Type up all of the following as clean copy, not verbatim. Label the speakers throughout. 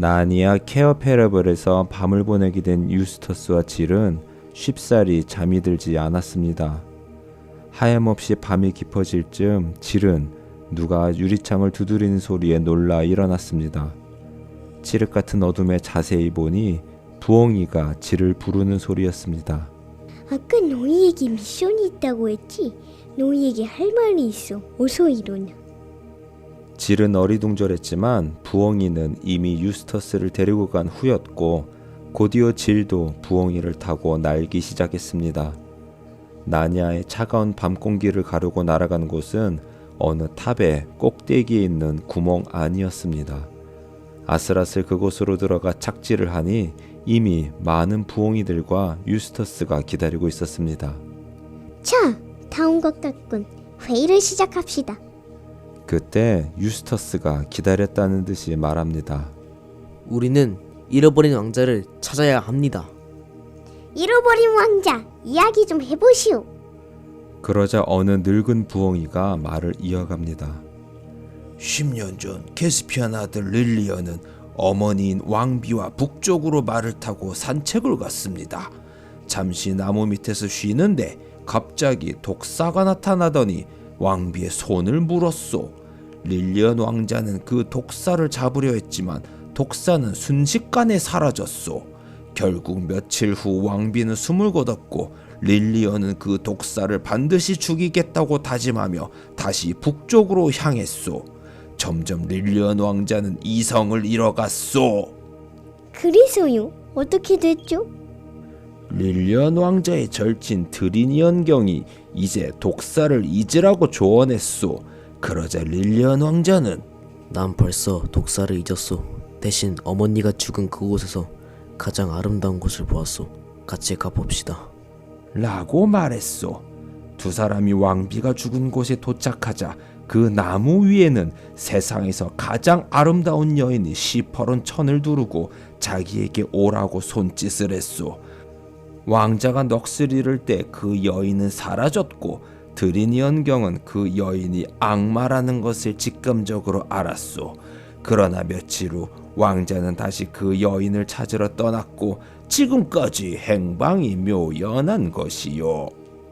Speaker 1: 나니아 케어페러블에서 밤을 보내게 된 유스터스와 질은 쉽사리 잠이 들지 않았습니다. 하염없이 밤이 깊어질 즈음 질은 누가 유리창을 두드리는 소리에 놀라 일어났습니다. 칠흑 같은 어둠에 자세히 보니 부엉이가 질을 부르는 소리였습니다.
Speaker 2: 아까 너희에게 미션이 있다고 했지? 너희에게 할 말이 있어. 어서 일어나.
Speaker 1: 질은 어리둥절했지만 부엉이는 이미 유스터스를 데리고 간 후였고 곧이어 질도 부엉이를 타고 날기 시작했습니다. 나니아의 차가운 밤 공기를 가르고 날아간 곳은 어느 탑의 꼭대기에 있는 구멍 안이었습니다. 아슬아슬 그곳으로 들어가 착지를 하니 이미 많은 부엉이들과 유스터스가 기다리고 있었습니다.
Speaker 2: 자, 다 온 것 같군. 회의를 시작합시다.
Speaker 1: 그때 유스터스가 기다렸다는 듯이 말합니다.
Speaker 3: 우리는 잃어버린 왕자를 찾아야 합니다.
Speaker 2: 잃어버린 왕자, 이야기 좀 해보시오.
Speaker 1: 그러자 어느 늙은 부엉이가 말을 이어갑니다.
Speaker 4: 10년 전 캐스피안 아들 릴리언은 어머니인 왕비와 북쪽으로 말을 타고 산책을 갔습니다. 잠시 나무 밑에서 쉬는데 갑자기 독사가 나타나더니 왕비의 손을 물었소. 릴리언 왕자는 그 독사를 잡으려 했지만 독사는 순식간에 사라졌소. 결국 며칠 후 왕비는 숨을 거뒀고 릴리언은 그 독사를 반드시 죽이겠다고 다짐하며 다시 북쪽으로 향했소. 점점 릴리언 왕자는 이성을 잃어갔소.
Speaker 2: 그래서요? 어떻게 됐죠?
Speaker 4: 릴리언 왕자의 절친 드리니언 경이 이제 독사를 잊으라고 조언했소. 그러자 릴리언 왕자는
Speaker 3: 난 벌써 독사를 잊었소. 대신 어머니가 죽은 그곳에서 가장 아름다운 곳을 보았소. 같이 가봅시다.
Speaker 4: 라고 말했소. 두 사람이 왕비가 죽은 곳에 도착하자 그 나무 위에는 세상에서 가장 아름다운 여인이 시퍼런 천을 두르고 자기에게 오라고 손짓을 했소. 왕자가 넋을 잃을 때 그 여인은 사라졌고 드리니언 경은 그 여인이 악마라는 것을 직감적으로 알았소. 그러나 며칠 후 왕자는 다시 그 여인을 찾으러 떠났고 지금까지 행방이 묘연한 것이요.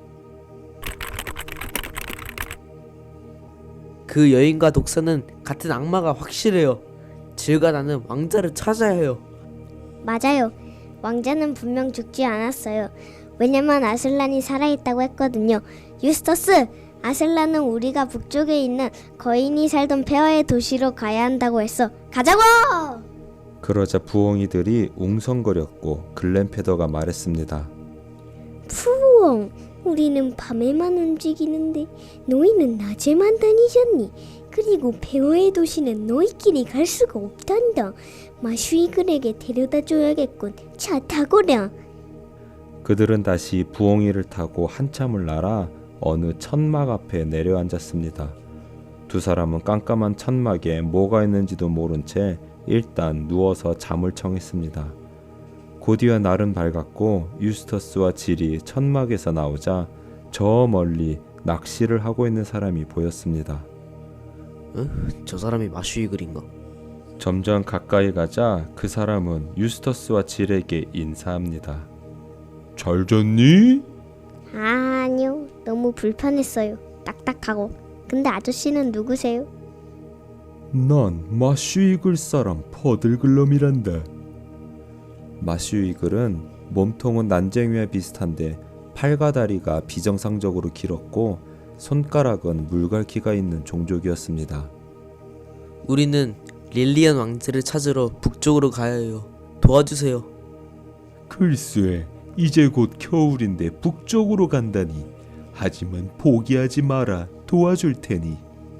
Speaker 3: 그 여인과 독사는 같은 악마가 확실해요. 질과 나는 왕자를 찾아야 해요.
Speaker 2: 맞아요. 왕자는 분명 죽지 않았어요. 왜냐면 아슬란이 살아있다고 했거든요. 유스터스, 아슬란은 우리가 북쪽에 있는 거인이 살던 폐허의 도시로 가야 한다고 했어. 가자고!
Speaker 1: 그러자 부엉이들이 웅성거렸고 글렌페더가 말했습니다.
Speaker 2: 푸엉, 우리는 밤에만 움직이는데 너희는 낮에만 다니잖니. 그리고 폐허의 도시는 너희끼리 갈 수가 없단다. 마슈이글에게 데려다 줘야겠군. 차 타거라.
Speaker 1: 그들은 다시 부엉이를 타고 한참을 날아 어느 천막 앞에 내려앉았습니다. 두 사람은 깜깜한 천막에 뭐가 있는지도 모른 채 일단 누워서 잠을 청했습니다. 곧이어 날은 밝았고 유스터스와 질이 천막에서 나오자 저 멀리 낚시를 하고 있는 사람이 보였습니다.
Speaker 3: 저 사람이 마슈이글인가?
Speaker 1: 점점 가까이 가자 그 사람은 유스터스와 질에게 인사합니다.
Speaker 4: 잘 잤니?
Speaker 2: 아니요, 너무 불편했어요. 딱딱하고. 근데 아저씨는 누구세요?
Speaker 1: 난 마슈이글 사람 퍼들글럼이란다. 마슈이글은 몸통은 난쟁이와 비슷한데 팔과 다리가 비정상적으로 길었고 손가락은 물갈퀴가 있는 종족이었습니다.
Speaker 3: 우리는 릴리언 왕자를 찾으러 북쪽으로 가야 해요. 도와주세요.
Speaker 1: 글쎄, 이제 곧 겨울인데 북쪽으로 간다니. 하지만 포기하지 마라. 도와줄 테니.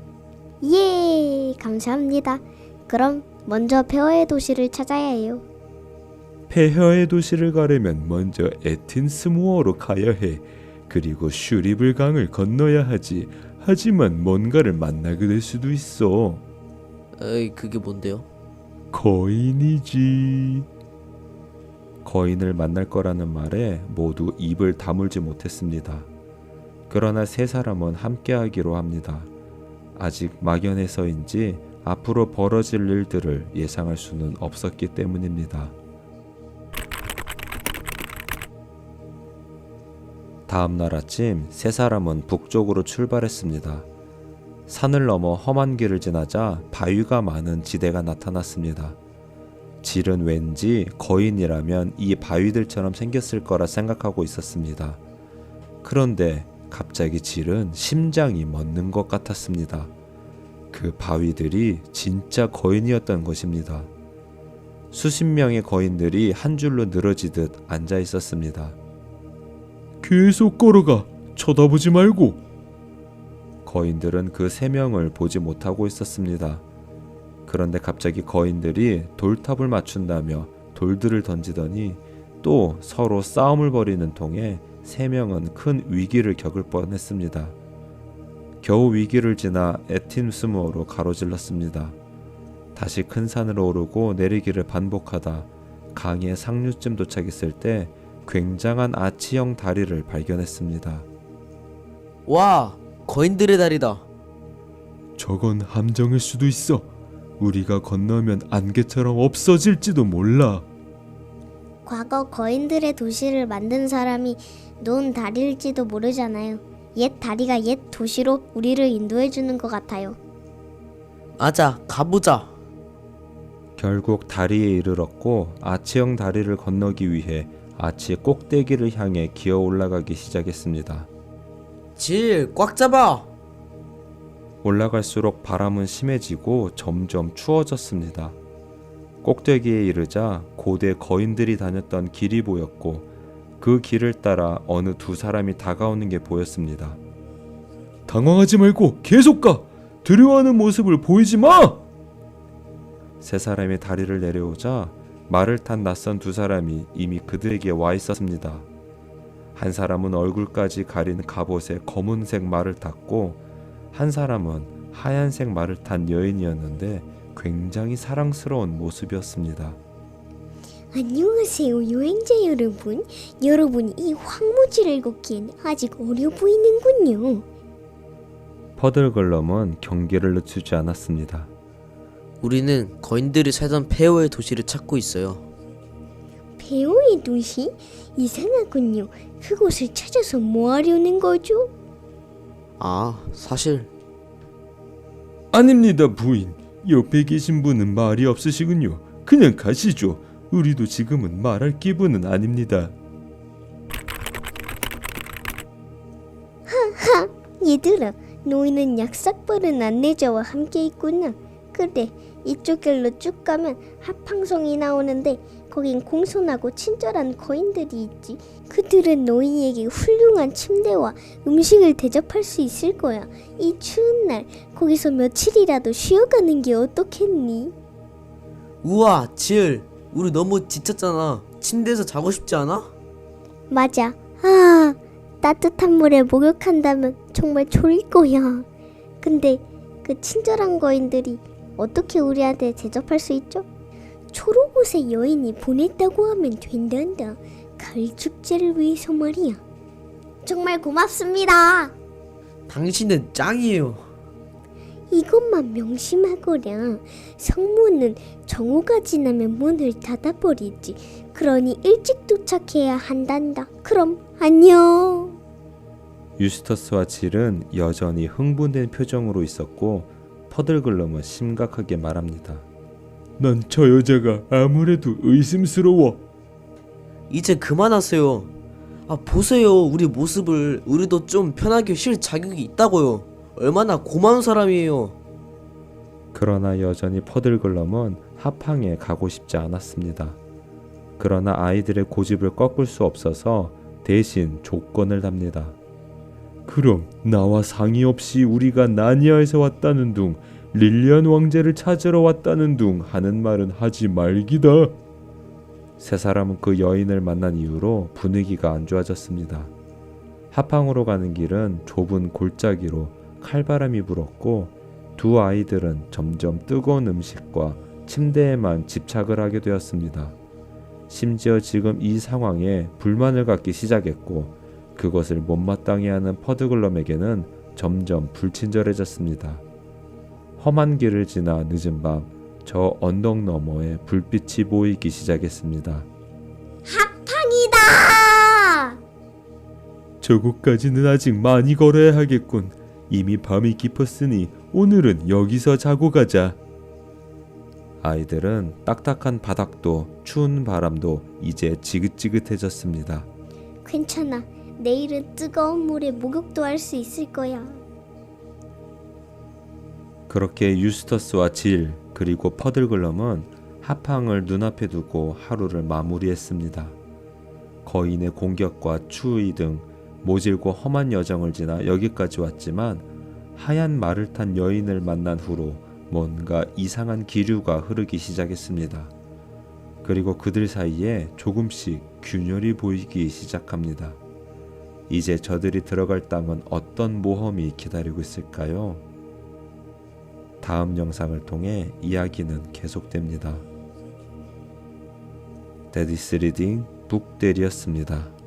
Speaker 2: 예, 감사합니다. 그럼 먼저 폐허의 도시를 찾아야 해요.
Speaker 1: 폐허의 도시를 가려면 먼저 에틴스무어로 가야 해. 그리고 슈리블 강을 건너야 하지. 하지만 뭔가를 만나게 될 수도 있어.
Speaker 3: 에이, 그게 뭔데요?
Speaker 1: 거인이지. 거인을 만날 거라는 말에 모두 입을 다물지 못했습니다. 그러나 세 사람은 함께하기로 합니다. 아직 막연해서인지 앞으로 벌어질 일들을 예상할 수는 없었기 때문입니다. 다음 날 아침 세 사람은 북쪽으로 출발했습니다. 산을 넘어 험한 길을 지나자 바위가 많은 지대가 나타났습니다. 질은 왠지 거인이라면 이 바위들처럼 생겼을 거라 생각하고 있었습니다. 그런데 갑자기 질은 심장이 멎는 것 같았습니다. 그 바위들이 진짜 거인이었던 것입니다. 수십 명의 거인들이 한 줄로 늘어지듯 앉아 있었습니다.
Speaker 4: 계속 걸어가. 쳐다보지 말고.
Speaker 1: 거인들은 그 세 명을 보지 못하고 있었습니다. 그런데 갑자기 거인들이 돌탑을 맞춘다며 돌들을 던지더니 또 서로 싸움을 벌이는 통에 세 명은 큰 위기를 겪을 뻔했습니다. 겨우 위기를 지나 에틴스모어로 가로질렀습니다. 다시 큰 산으로 오르고 내리기를 반복하다 강의 상류쯤 도착했을 때 굉장한 아치형 다리를 발견했습니다.
Speaker 3: 와, 거인들의 다리다.
Speaker 4: 저건 함정일 수도 있어. 우리가 건너면 안개처럼 없어질지도 몰라.
Speaker 2: 과거 거인들의 도시를 만든 사람이 놓은 다리일지도 모르잖아요. 옛 다리가 옛 도시로 우리를 인도해 주는 것 같아요.
Speaker 3: 아자, 가보자.
Speaker 1: 결국 다리에 이르렀고 아치형 다리를 건너기 위해 아치의 꼭대기를 향해 기어 올라가기 시작했습니다.
Speaker 3: 질, 꽉 잡아.
Speaker 1: 올라갈수록 바람은 심해지고 점점 추워졌습니다. 꼭대기에 이르자 고대 거인들이 다녔던 길이 보였고 그 길을 따라 어느 두 사람이 다가오는 게 보였습니다.
Speaker 4: 당황하지 말고 계속 가. 두려워하는 모습을 보이지 마.
Speaker 1: 세 사람이 다리를 내려오자 말을 탄 낯선 두 사람이 이미 그들에게 와 있었습니다. 한 사람은 얼굴까지 가린 갑옷에 검은색 말을 탔고 한 사람은 하얀색 말을 탄 여인이었는데 굉장히 사랑스러운 모습이었습니다.
Speaker 2: 안녕하세요, 여행자 여러분. 여러분이 이 황무지를 걷기엔 아직 어려 보이는군요.
Speaker 1: 퍼들글럼은 경계를 늦추지 않았습니다.
Speaker 3: 우리는 거인들이 살던 페어의 도시를 찾고 있어요.
Speaker 2: 배우의 도시? 이상하군요. 그곳을 찾아서 뭐 하려는 거죠?
Speaker 3: 아, 사실
Speaker 4: 아닙니다, 부인. 옆에 계신 분은 말이 없으시군요. 그냥 가시죠. 우리도 지금은 말할 기분은 아닙니다.
Speaker 2: 얘들아, 너희는 약삭빠른 안내자와 함께 있구나. 그래, 이쪽 길로 쭉 가면 합항성이 나오는데 거긴 공손하고 친절한 거인들이 있지. 그들은 너희에게 훌륭한 침대와 음식을 대접할 수 있을 거야. 이 추운 날 거기서 며칠이라도 쉬어가는 게 어떻겠니?
Speaker 3: 우와, 질, 우리 너무 지쳤잖아. 침대에서 자고 싶지 않아?
Speaker 2: 맞아. 따뜻한 물에 목욕한다면 정말 좋을 거야. 근데 그 친절한 거인들이 어떻게 우리한테 대접할 수 있죠? 초록옷의 여인이 보냈다고 하면 된단다. 가을 축제를 위해서 말이야. 정말 고맙습니다.
Speaker 3: 당신은 짱이에요.
Speaker 2: 이것만 명심하거라. 성문은 정오가 지나면 문을 닫아버리지. 그러니 일찍 도착해야 한단다. 그럼 안녕.
Speaker 1: 유스터스와 질은 여전히 흥분된 표정으로 있었고 퍼들글럼은 심각하게 말합니다.
Speaker 4: 난 저 여자가 아무래도 의심스러워.
Speaker 3: 이제 그만하세요. 아, 보세요. 우리 모습을. 우리도 좀 편하게 쉴 자격이 있다고요. 얼마나 고마운 사람이에요.
Speaker 1: 그러나 여전히 퍼들글럼은 합항에 가고 싶지 않았습니다. 그러나 아이들의 고집을 꺾을 수 없어서 대신 조건을 답니다.
Speaker 4: 그럼 나와 상의 없이 우리가 나니아에서 왔다는 둥, 릴리안 왕자를 찾으러 왔다는 둥 하는 말은 하지 말기다.
Speaker 1: 세 사람은 그 여인을 만난 이후로 분위기가 안 좋아졌습니다. 합항으로 가는 길은 좁은 골짜기로 칼바람이 불었고 두 아이들은 점점 뜨거운 음식과 침대에만 집착을 하게 되었습니다. 심지어 지금 이 상황에 불만을 갖기 시작했고 그것을 못마땅해 하는 퍼드글럼에게는 점점 불친절해졌습니다. 험한 길을 지나 늦은 밤 저 언덕 너머에 불빛이 보이기 시작했습니다.
Speaker 2: 팡이다!
Speaker 1: 저곳까지는 아직 많이 걸어야 하겠군. 이미 밤이 깊었으니 오늘은 여기서 자고 가자. 아이들은 딱딱한 바닥도 추운 바람도 이제 지긋지긋해졌습니다.
Speaker 2: 괜찮아. 내일은 뜨거운 물에 목욕도 할 수 있을 거야.
Speaker 1: 그렇게 유스터스와 질 그리고 퍼들글럼은 하팡을 눈앞에 두고 하루를 마무리했습니다. 거인의 공격과 추위 등 모질고 험한 여정을 지나 여기까지 왔지만 하얀 말을 탄 여인을 만난 후로 뭔가 이상한 기류가 흐르기 시작했습니다. 그리고 그들 사이에 조금씩 균열이 보이기 시작합니다. 이제 저들이 들어갈 땅은 어떤 모험이 기다리고 있을까요? 다음 영상을 통해 이야기는 계속됩니다. 데디스 리딩 북대리였습니다.